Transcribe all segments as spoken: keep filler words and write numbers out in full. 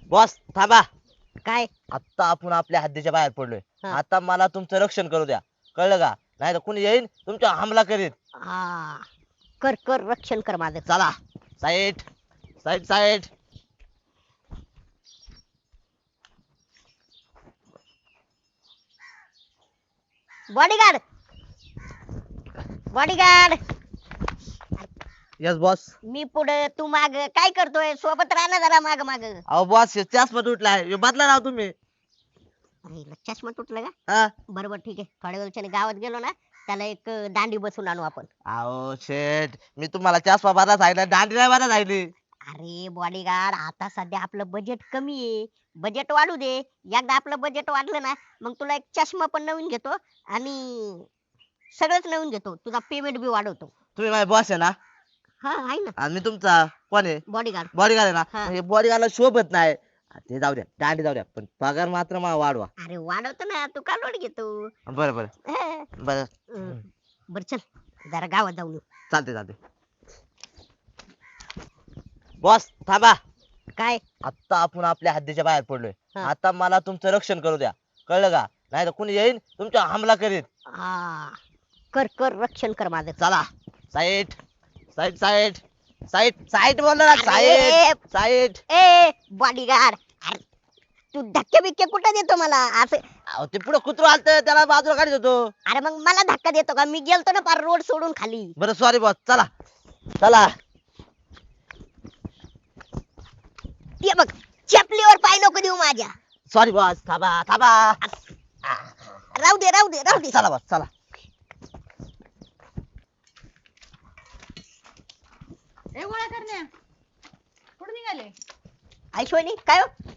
Boss थांबा. काय? आता आपण आपल्या हद्दीच्या बाहेर पडलोय. हा. आता मला तुमचं रक्षण करू द्या, कळलं का? नाही तर कुणी येईल तुमच्या हमला करीत. हा, कर कर रक्षण कर माझं. चला side side side. Bodyguard bodyguard yes boss. मी पुढे तू माग. काय करतोय? सोबत राहा जरा माग माग. अहो बॉस चष्मा तुटलाय, ह्यो बदला राव तुम्ही. अरे हिला चष्मा तुटला का? हा. बरोबर ठीक आहे. थोड्या वेळच्याने गावात गेलो ना, त्याला एक अं, दांडी बसून आणू आपण. अहो शेट, मी तुम्हाला चष्मा बदला सांगितलं, दांडी नाही बदला सांगितली. अरे बॉडीगार्ड, आता सध्या आपलं बजेट कमी आहे. बजेट वाढू दे. एकदा आपलं बजेट वाढलं ना, मग तुला एक चष्मा पण नवीन घेतो आणि सगळंच नवीन घेतो. तुझा पेमेंट बी वाढवतो. तुम्ही माझे बॉस आहे ना, हा आहे ना आणि मी तुमचा कोण आहे? बॉडीगार्ड. बॉडीगार्ड आहे हा. ना. हे बॉडीगार्डला शोभत नाही. ते जाऊ द्या, दांडी जाऊ द्या, पण पगार मात्र मला वाढवा. अरे वाढवतो ना, तू का लोड घेतो? बरं बरं हा. बरं. हं. बरं चल जरा गावात जाऊन येऊ. चालते चालते. बॉस थांबा. काय? आता आपण आपल्या हद्दीच्या बाहेर पडलोय. हा. आता मला तुमचं रक्षण करू द्या, कळलं का? नाही तर कुणी येईल तुमच्या हमला करीत. हा, कर कर रक्षण कर माझं. चला side side side side side बोल ना. अरे. Side side. ए बॉडीगार्ड, अरे तू धक्के बिक्के कुठे देतो मला असं? अहो ते पुढे कुत्रा आलत, त्याला बाजूला काढत होतो. अरे मग मला धक्का देतो का? मी गेलतो ना पार रोड सोडून खाली. बरं सॉरी बॉस. चला चला. ते बघ, चपलीवर पाय नको देऊ माझ्या. Sorry boss. थांबा थांबा. राहू दे राहू दे राहू दे. चला बॉस चला. ए गोळ्या करण्या कुठे निघाले? ऐश्वनी काय हो?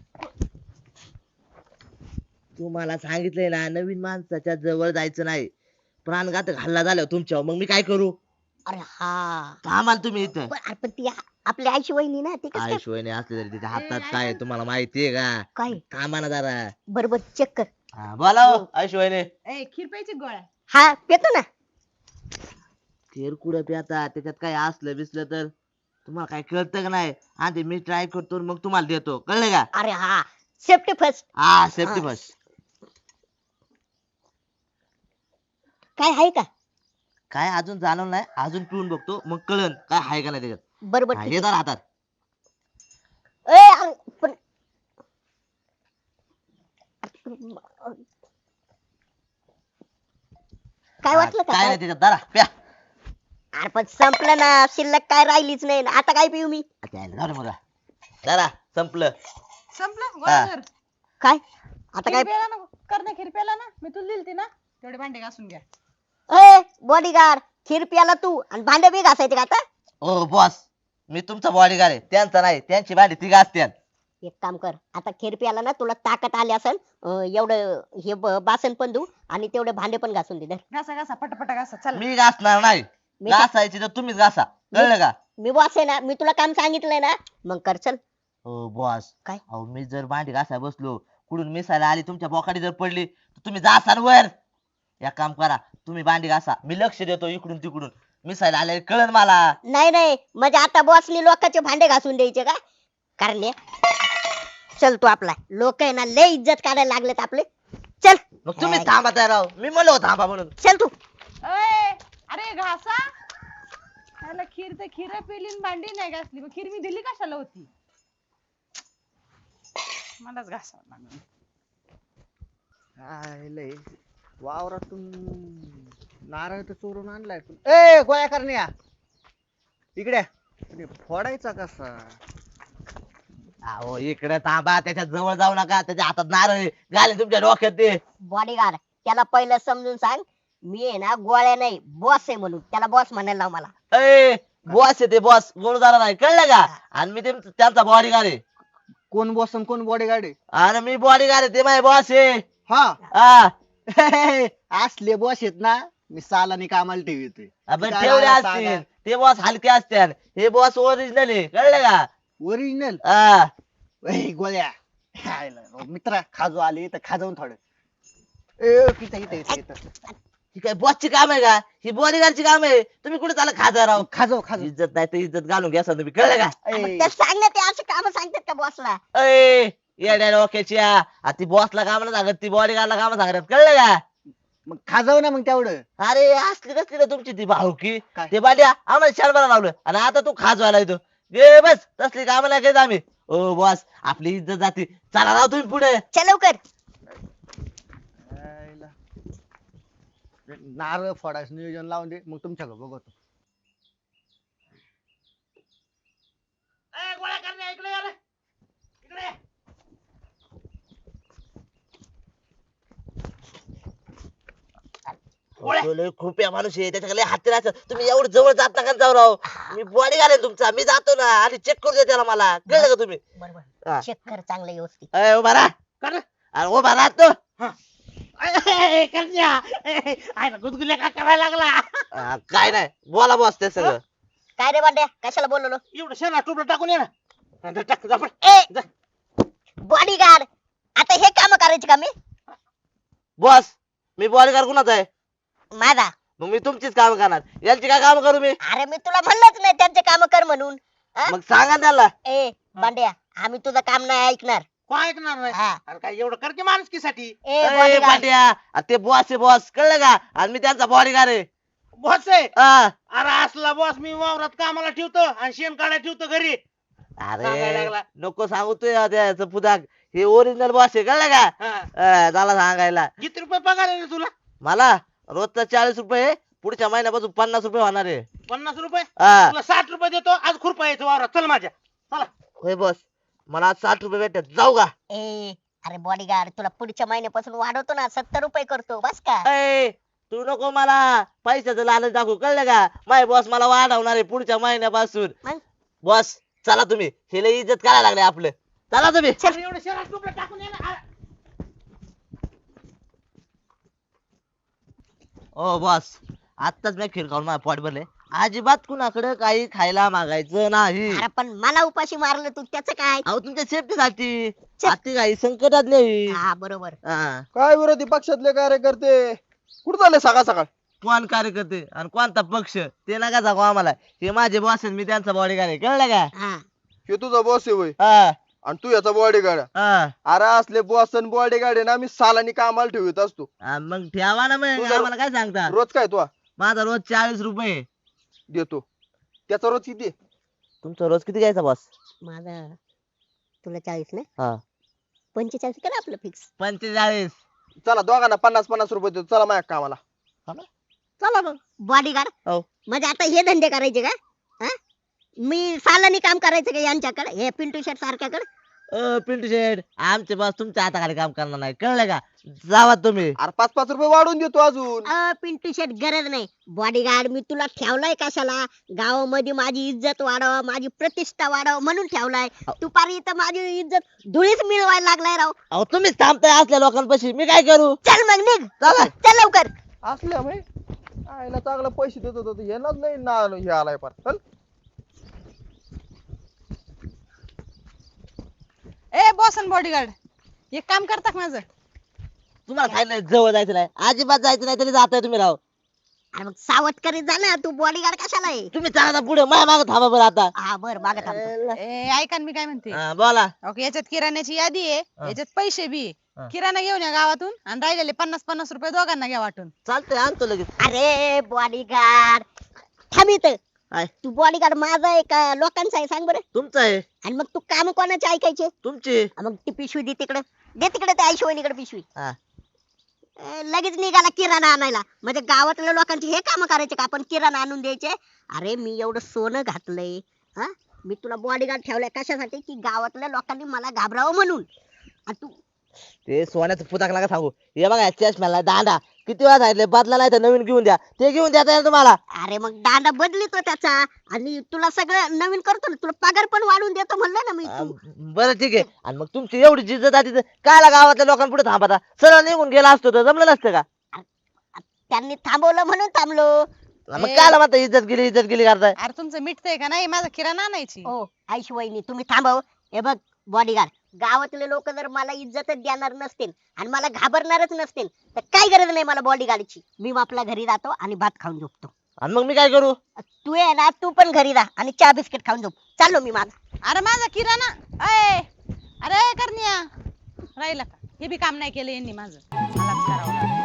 तुम्हाला सांगितलंय ना, नवीन माणसाच्या जवळ जायचं नाही. प्राणघातक हल्ला झाला तुमच्यावर, मग मी काय करू? अरे हा, थांबाल तुम्ही इथं. पण अरे पण ती आ- आपली आईची वहिनी ना, ती कसं काय? आयुष्यने असले तरी तिच्या हातात काय आहे तुम्हाला माहितीये का? काय? थांबा ना जरा. बरोबर चेक कर. हा, बोला हो आयुष्यने. ए खीर प्यायची गोळ्या. हा पेतो ना. खीर कुठं प्याता, त्याच्यात काय असलं बिसलं तर तुम्हाला काय कळतं का नाही? आधी मी ट्राय करतो मग तुम्हाला देतो, कळलं का? अरे हा, सेफ्टी फर्स्ट. हा सेफ्टी हा. फर्स्ट. काय आहे का? काय अजून जाणवलं नाही, अजून पिऊन बघतो मग कळन काय आहे का नाही त्याच्यात. बरोबर हा, ठीक हे आहे. धर हातात. ए, अरे, पण काय वाटलं का? काय काय? नाही त्याच्यात, धरा प्या. अरे पण संपलं ना, शिल्लक काय राहिलीच नाही ना. आता काय पिऊ मी? आता यायला जाऊ दे मला. धरा संपलं. संपलं गोळ्या हा. धर. काय आता खीर काय? प्यायला ना, करण्या खीर प्यायला ना, मी तुला दिलती ना, तेवढे भांडे घासून घ्या. ए बॉडीगार्ड, खीर प्याला तू आणि भांडे बी घासायचे का आता? ओ बॉस, मी तुमचा बॉडीगार्ड आहे, त्यांचा नाही. त्यांची भांडी ती घासत्यात. एक काम कर, आता खीर प्याला ना, तुला ताकद आली असेल, अं, एवढं हे ब- बासन पण धू आणि तेवढे भांडे पण घासून दे धर. घासा घासा पटापटा घासा चला. मी घासणार नाही. मी का- घासायची तर तुम्हीच घासा, कळलं का? मी बॉस आहे ना, मी तुला काम सांगितलंय ना, मग कर चल. हो बॉस. काय? अहो मी जर भांडी घासाय बसलो, कुठून मिसायला आली तुमच्या बोकाडी जर पडली तर तुम्ही जासाल वर. या काम करा, तुम्ही भांडी घासा, मी लक्ष देतो इकडून तिकडून. मिसायला आले कळन मला. नाही नाही, म्हणजे आता बॉसनी लोकांचे भांडे घासून द्यायचे का? कारण हे- चल तू आपला, लोक आहे ना लय इज्जत काढायला लागलेत आपले. चल मग तुम्ही थांबा तयार राव, मी म्हणलो होतो थांबा म्हणून. चल तू. ए, अरे घासा. त्याला खीर तर खीर पेली आणि भांडी नाही घासली, मग खीर मी दिली कशाला होती? मलाच घासावं लागलं. काय लय वावरातून नारळ तर चोरून आणलाय पण. ए गोळ्या करण्या इकडे अरे, फोडायचा कसा? अहो इकडे थांबा, त्याच्या जवळ जाऊ नका. त्याच्या हातात नारळ घाले तुमच्या डोक्यात ते. बॉडीगार्ड, त्याला पहिलं समजून सांग, मी आहे ना गोळ्या नाही, बॉस आहे म्हणून. त्याला बॉस म्हणायला लाव मला. ए बॉस आहे ते, बॉस गोळदारा नाही, कळलं का? आणि मी ते- त्यांचा बॉडीगार्ड आहे. कोण बॉस आणि कोण बॉडीगार्ड आहे? आणि मी बॉडीगार्ड आहे, ते माझे बॉस आहे. हा हा. असले बॉस आहेत ना, मी सालानी कामाला ठेवतोय. आपण काय ठेवले सांगा? असतील, ते बॉस हलके असतात, हे बॉस ओरिजिनल आहे, कळलं का? ओरिजिनल हा. गोळ्या हायला, मित्रा खाजो आले तर खाजवून थोडं. ए पिता इथं इथं इथं ही काय बॉसची काम आहे का? ही बॉडीगार्डची काम आहे. तुम्ही कुठे चाला खाजा राव? खाजव खाजव. इज्जत नाही तर इज्जत घालून घ्या तुम्ही, कळलं का? ए, तर सांग ना, ते असं काम सांगतात का बॉसला? ए येड्या डोक्याच्या ती बॉसला कामाला सांगत ती बॉडीगार्डला कामाला सांगत कळलं का मग खाजाव ना मग तेवढं. अरे असली कसली रे तुमची ती भाऊकी काय? ते बाड्या आम्हाला शाळेला लावलं आणि आता तू खाजवायला येतो गे बस तसली कामाला घेत आम्ही ओ बॉस आपली इज्जत जाती चला राव तुम्ही पुढे चल लवकर. आयला. नारळ फोडायचं नियोजन लावून दे मग तुमच्याकडे बघतो. तो लय खूप या माणूस आहे त्याच्याकडे हाती राहत तुम्ही एवढं जवळ जात नका जाऊ राव मी बॉडी घालेन तुमचा मी जातो ना आणि चेक करू दे त्याला मला कळलं का तुम्ही बरोबर हा. चेक कर चांगलं व्यवस्थित. अय, उभा राहा अरे उभा राहतो गुदगुल्या का करायला लागला काय नाही बोला बॉस ते सगळं काय रे बांड्या कशाला बोललो? एवढं शेणा टुबलं टाकून ये ना टाक, जा पळ. ए बॉडीगार्ड आता हे काम करायचे का मी? बॉस मी बॉडीगार्ड कुणाचा आहे माझा. मग मी तुमचीच काम करणार यांची काय काम करू मी अरे मी तुला म्हणलंच नाही त्यांचे काम कर म्हणून. हा? मग सांगा त्याला ए बांड्या आम्ही तुझं काम नाही ऐकणार. कोण ऐकणार नाही हा. अरे काय एवढं कर की माणुसकीसाठी ए अय, बॉडीगार्ड पाट्या अरे ते बॉस आहे बॉस कळलं का आणि मी त्यांचा बॉडीगार्ड आहे बॉस आहे हा. अरे असला बॉस मी वावरात कामाला ठेवतो आणि शेण काढायला ठेवतो घरी सांगायला अरे लागला. नको सांगू तू या त्याचं पुदाक हे ओरिजिनल बॉस आहे कळलं का हा. अं, त्याला सांगायला किती रुपये पगार आहे रे तुला मला रोजचा चाळीस रुपये पुढच्या महिन्यापासून पन्नास रुपये होणार आहे पन्नास रुपये हा. तुला साठ रुपये देतो आज खुरपा यायचं वावरात चल माझ्या चला होय बॉस मला आज साठ रुपये भेटतात जाऊ का ए अरे बॉडीगार्ड तुला पुढच्या महिन्यापासून वाढवतो ना सत्तर रुपये करतो बस का? अय तू नको मला पैशाचं लालच दाखवू कळलं का माय बॉस मला वाढवणार आहे पुढच्या महिन्यापासून मग? बॉस चला तुम्ही हे लय इज्जत करायला लागले आपलं चला तुम्ही अरे एवढं शेणा टुबलं टाकून ये ना ओ बॉस आत्ताच मी खीर खाऊन माझं पोट भरले अजिबात कुणाकडे काही खायला मागायचं नाही अरे पण मला उपाशी मारलं तू त्याचं काय? अहो तुमच्या सेफ्टीसाठी छे. आती काही संकटात नाही हा बरोबर. हा. काय विरोधी पक्षातले कार्यकर्ते कुठं झाले सकाळ सकाळ? कोण कार्यकर्ते आणि कोणता पक्ष ते नका सांगू आम्हाला हे माझे बॉस आहेत मी त्यांचा बॉडीगार्ड आहे कळलं का हा हे तुझा बॉस आहे होय हा, आणि तू याचा बॉडीगार्ड. हा. अरे असले बॉस आणि बॉडीगार्ड आहे ना मी सालानी कामाला ठेवत असतो. हा, मग ठेवा ना मग तुझा- आम्हाला काय सांगता रोज काय तू माझा रोज चाळीस रुपये देतो त्याचा रोज किती आहे? तुमचा रोज किती घ्यायचा बॉस माझा तुला चाळीस ना हा पंचेचाळीस कर आपलं फिक्स. पंचेचाळीस चला दोघांना पन्नास पन्नास रुपये देतो चला माझ्या कामाला. चला मग बॉडीगार्ड हो. म्हणजे आता हे धंदे करायचे का? हा? मी सालानी काम करायचं का यांच्याकडे हे पिंटू शेट सारख्याकडे? अ पिंटू शेठ आमचे बॉस तुमच्या हाताखाली काम करणार नाही कळलं का जावा तुम्ही अरे पाच पाच रुपये वाढवून देतो अजून. अ पिंटू शेट गरज नाही. बॉडीगार्ड मी तुला ठेवलाय कशाला? गावामध्ये माझी इज्जत वाढव माझी प्रतिष्ठा वाढव म्हणून ठेवलाय. तू पारी इथं माझी इज्जत धुळीच मिळवायला लागलाय राव. अहो तुम्हीच थांबताय असल्या लोकांपाशी मी काय करू चल मग निघ चला. चल लवकर. असल्या म्हणे आईला चांगला पैसे देत होतो येणार नाही ना हे आलाय पण चल. ए बॉस आणि बॉडीगार्ड एक काम करता का माझं? तुम्हाला सांगितलं जवळ जायचं नाही अजिबात जायचं नाही तरी जाताय तुम्ही राव अरे मग सावध करीत जा ना तू बॉडीगार्ड कशाला आहे? तुम्ही चालता पुढे माझ्या मागे थांबा बरं आता हा बर मागे थांबतो. ए ऐका ना मी काय म्हणते हा, बोला ओके याच्यात किराण्याची यादी आहे हा. याच्यात पैसे बी आहे. हा. किराणा घेऊन या गावातून आणि राहिलेले पन्नास पन्नास रुपये दोघांना घ्या वाटून. चालतंय आणतो लगेच अरे बॉडीगार्ड थांब इथं. काय? तू बॉडीगार्ड माझा आहे का लोकांचा आहे सांग बरं? तुमचं आहे आणि मग तू काम कोणाचे ऐकायचे? तुमची मग ती पिशवी दे तिकडे दे तिकडे त्या आईशिवानीकडे पिशवी. हा. ए, लगेच निघाला किराणा आणायला. म्हणजे गावातल्या लोकांचे हे काम करायचे का आपण किराणा आणून द्यायचे? अरे मी एवढं सोनं घातलंय हा मी तुला बॉडीगार्ड ठेवलाय कशासाठी की गावातल्या लोकांनी मला घाबरावं म्हणून. आणि तू ते सोन्याचं पुताक नका सांगू हे बघा चष्म्याला दांडा किती वेळा सांगितले बदला नाही तर नवीन घेऊन द्या ते घेऊन द्या येईल तुम्हाला अरे मग दांडा बदलितो त्याचा आणि तुला सगळं नवीन करतो ना तुला पगार पण वाढवून देतो म्हणलं ना मी. आ, तू बरं ठीक आहे आणि मग तुमची एवढी जिद्द आहे तिथं कायला गावातल्या लोकांपुढे थांबता सरळ निघून गेला असतो तर जमलं नसतं का त्यांनी थांबवलं म्हणून थांबलो. मग ए. कायला म्हणता इज्जत गेली इज्जत गेली करताय अरे तुमचं मिटतंय का नाही? माझा किराणा आणायची. ओ आईशी वहिनी तुम्ही थांबव. हे बघ बॉडीगार्ड गावातले लोक जर मला इज्जतच देणार नसतील आणि मला घाबरणारच नसतील तर काही गरज नाही मला बॉडीगार्डची. मी आपल्या घरी जातो आणि भात खाऊन झोपतो. आणि मग मी काय करू तू आहे ना तू पण घरी राहा आणि चहा बिस्किट खाऊन झोप. चाललो मी माझा. अरे माझा किराणा अय अरे करण्या राहिला का हे बी काम नाही केलं यांनी माझं मलाच करावं लागलं